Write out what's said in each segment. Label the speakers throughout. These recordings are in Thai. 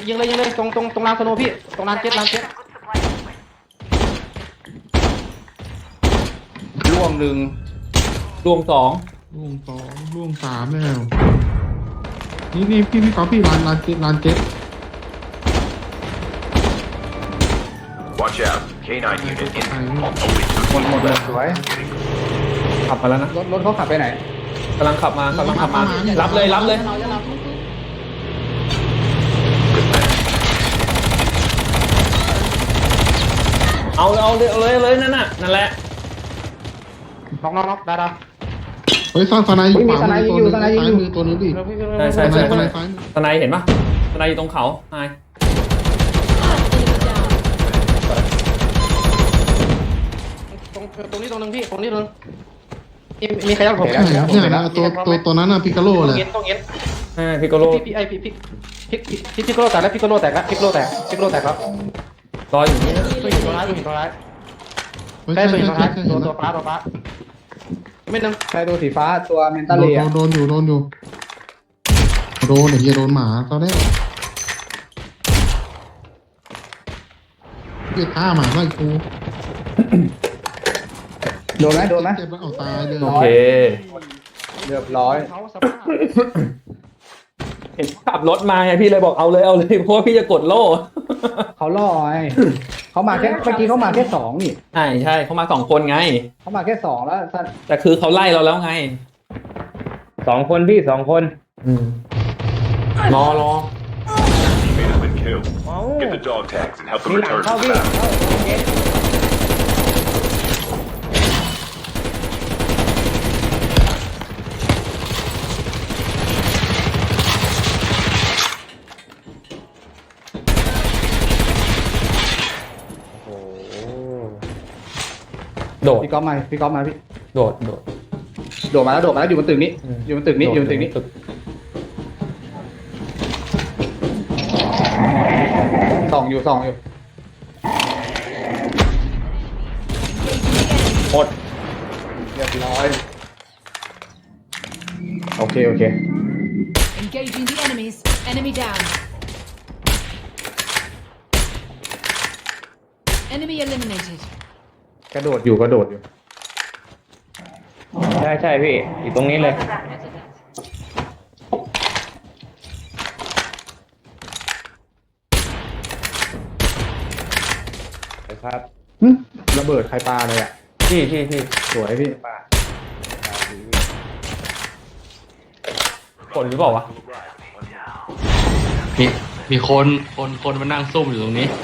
Speaker 1: ยิงเลยตรงลานสโนพี่ตรงลานเจ็ตล่วงหนึ่ง
Speaker 2: รวม2
Speaker 3: ร่วง2ร่วง3แล้วนี่พี่ก๊อฟพี่ลานเจ็ต
Speaker 4: Watch out. K9 unit in.
Speaker 1: หมดเลยสวย
Speaker 2: ขับมาแล้วนะ
Speaker 1: รถเขาขับไปไหน
Speaker 2: กำลังขับมารับเลยเอาเลยนั่นแหละ
Speaker 1: น็อกได้
Speaker 3: เฮ้ยสไนด์อยู่ขวามือตัวนึงซ้ายมือตัวนึงดิ
Speaker 2: ใช่
Speaker 3: สไนด์ซ้ายมือ
Speaker 2: สไนเห็นปะสไนอยู่ตรงเขาไฮ
Speaker 1: ตรงนี้ตรงนึงพี่ตรงนี้ตรงมีใครยังผม
Speaker 3: เนี่ยตัวนั้นน่ะพิกาโลเลย
Speaker 1: ต้องเอ็น
Speaker 2: พิโกโล
Speaker 1: พี่โกโลแตกแล้วพี่โกโลแตกแล้ว
Speaker 2: รออยู่นี่
Speaker 1: ตัวหินตัวร้ายได้ตัวหินตัวร้ายตัวฟ้าไม่นึงใช่ตัวสีฟ้าตัวเมนตาเลีย
Speaker 3: โดนอยู่โดนไอ้เหี้ยโดนหมาตอนแรกเหี้ยฆ่าหมาไล่กู
Speaker 1: โดนไหม
Speaker 3: เจ็บแล้วเอาตายเลย
Speaker 2: โอเค
Speaker 1: เรียบร้อย
Speaker 2: เห็นขับรถมาไงพี่เลยบอกเอาเลยเพราะว่าพี่จะกดโล่
Speaker 1: เขาล่อไงเขามาแค่เมื่อกี้เขามาแค่2นี่
Speaker 2: ใช่เขามา2คนไง
Speaker 1: เขามาแค่2แล้ว
Speaker 2: แต่คือเขาไล่เราแล้วไง
Speaker 1: 2 คนพี่2 คน
Speaker 2: รอ
Speaker 4: Teammate has been killed. Get the dog tags and help them
Speaker 1: มีหลัง
Speaker 4: return to
Speaker 1: เข้า
Speaker 4: the
Speaker 1: พี่
Speaker 4: battle.
Speaker 2: โดด
Speaker 1: พี่ก๊อฟมาพี่
Speaker 2: โดด
Speaker 1: โดดมาแล้วอยู่บนตึกนี้อยู่บนตึกนี้ส่องอยู่หมดเรียบร้อยโอเค
Speaker 5: Engaging the enemies. Enemy down. Enemy eliminated.
Speaker 1: กระโดดอยู่ใช่พี่อยู่ตรงนี้เลยครับระเบิดใครปาเลยอ่ะ
Speaker 2: พี่
Speaker 1: สวยพี่
Speaker 2: คนหรือเปล่าวะ
Speaker 6: มีคนมานั่งซุ่มอยู่ตรงนี้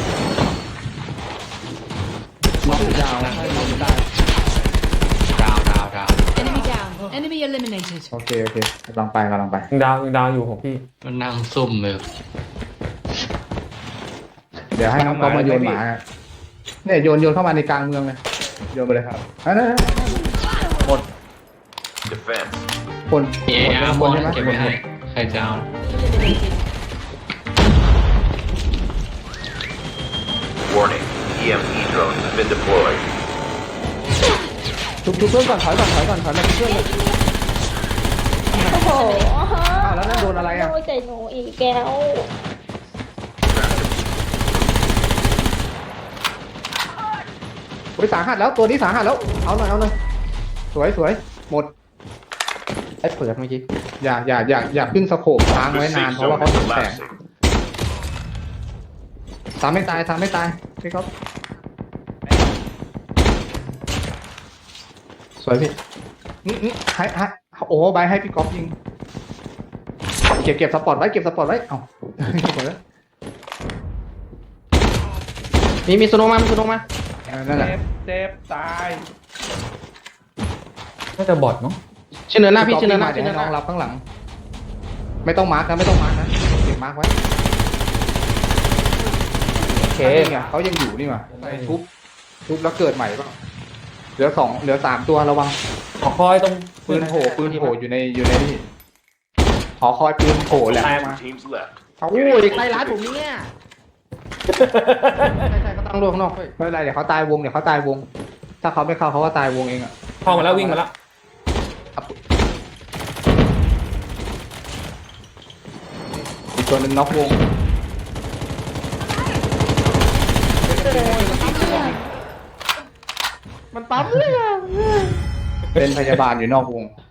Speaker 1: น็อกยาวให้น็อกได้
Speaker 6: ดาว
Speaker 5: Enemy down. Enemy eliminated.
Speaker 1: โอเคกำลังไป
Speaker 2: ยังดาวอยู่ของพี่
Speaker 6: มันนั่งซุ่มเลย
Speaker 1: เดี๋ยวให้น้องก๊อฟมาโยนหมาเนี่ยโยนเข้ามาในกลางเมืองเลยโยนไปเลยครับนั่น
Speaker 4: Defense.
Speaker 1: คน
Speaker 6: มีอาร์มอนเก็บไว้ให้ใครจะเอา
Speaker 4: Warning. EMP drones have been deployed.
Speaker 1: ทุบเพื่อนก่อนถอยมาทุบเพื่อนเลย
Speaker 7: โอ้โห
Speaker 1: แล้วนั่นโดนอะไรอ่ะ
Speaker 7: โดนใจหนูอีกแก้ว
Speaker 1: สาหัสแล้วตัวนี้สาหัสแล้วเอาหน่อยสวยหมดไอ้เปิดเมื่อกี้อย่าขึ้นสโคปค้าง
Speaker 4: The
Speaker 1: ไว้นาน
Speaker 4: safe
Speaker 1: เพราะว่า
Speaker 4: zone
Speaker 1: เขา
Speaker 4: is
Speaker 1: แตก
Speaker 4: collapsing.
Speaker 1: สามไม่ตายพี่ครับสวยพี่ให้โอ้ใบให้พี่ก๊อฟยิงเก็บสปอร์ตไว้เอ้ามีสโนมานั่นแหละ
Speaker 8: เซฟตาย
Speaker 2: น่าจะบอดเนาะ
Speaker 1: ชื่อเนินหน้าพี่ชื่อเนินหน้าน้องรับข้างหลังไม่ต้องมาร์กนะเก็บมาร์กไว้
Speaker 2: โอเค
Speaker 1: เขายังอยู่นี่มาทุบแล้วเกิดใหม่ป่ะเหลือ3ตัวระวัง
Speaker 2: ขอคอยตรง
Speaker 1: ปืนโผล่อยู่ในนี่หอคอยปืนโผล่แหละ
Speaker 4: Two teams left.
Speaker 1: เขาใกล้ร้านผมเนี่ยใช่เขาตั้งรวมข้างนอกไม่เป็นไรเดี๋ยวเขาตายวงถ้าเขาไม่เข้าเขาก็ตายวงเองอ่ะ
Speaker 2: เข้ามาแล้ววิ่งมาแล้ว
Speaker 1: อีกตัวหนึ่งน็อกวงมันปั๊มเลยอะเป็นพยาบาลอยู่นอกวง